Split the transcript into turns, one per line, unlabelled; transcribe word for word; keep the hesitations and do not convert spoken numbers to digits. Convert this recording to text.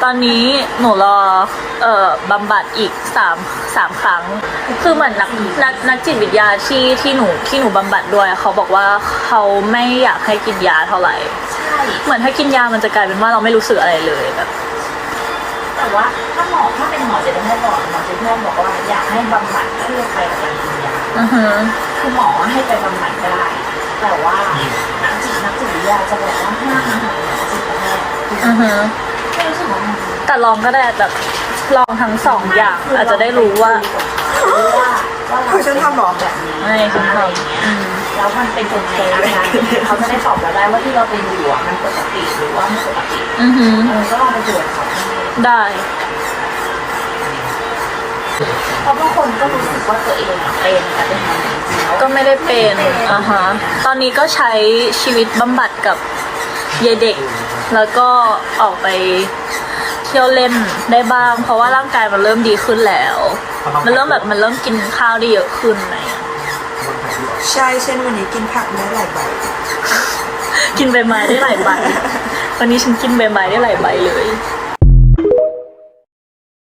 อนนี้หนูรอเอ่อบำบัดอีกสามสามครั้งคือเหมือนนักนักนักจิตวิทยาที่ที่หนูที่หนูบำบัดด้วยเขาบอกว่าเขาไม่อยากให้กินยาเท่าไหร่
ใช่
เหมือนถ้ากินยามันจะกลายเป็นว่าเราไม่รู้สึกอะไรเลยแบบ
แต่ว่าถ้าหมอถ้าเป็นหมอจิตแพทย์บอกหมอจิตแพทย์บอกว่าอยากให้บำบัดคู่ไปกับการกินยา
อือฮึ
คือหมอให้ไปบำบัดได้แต่ว่านักจิตนักจิตวิทยาจะบอกว่าห้ามหาหมอจิตแพทย์
อือฮึแต่ลองก็ได้แบบลองทั้งสองอย่างอาจจะได้รู้ว่า
คือฉันทำหรอแบบนี้
ไม่ฉันทำ
แล้วมันเป็นยังไงอาการเขาจะได้ตอบเราได้ว่าที่เราเป็นอยู่มันปกติหรือว่าไม่ปกติ
อือฮึ
ก็ลองไปตรวจเขา
ได้
เพราะบางคนก็รู้สึกว่าตัวเองเป็นแต่เป็นจริงๆ
ก็ไม่ได้เป็นอ่าฮะตอนนี้ก็ใช้ชีวิตบำบัดกับยายเด็กแล้วก็ออกไปเที่ยวเล่นได้บ้างเพราะว่าร่างกายมันเริ่มดีขึ้นแล้วมันเริ่มแบบมันเริ่มกินข้าวได้เยอะขึ้นอะไรอย่างเงี้ย
ใช่เช่นวันนี้กินผักได้หลายใบ
กินใบไม้ได้หลายใบวันนี้ฉันกินใบไม้ได้หลายใบเลย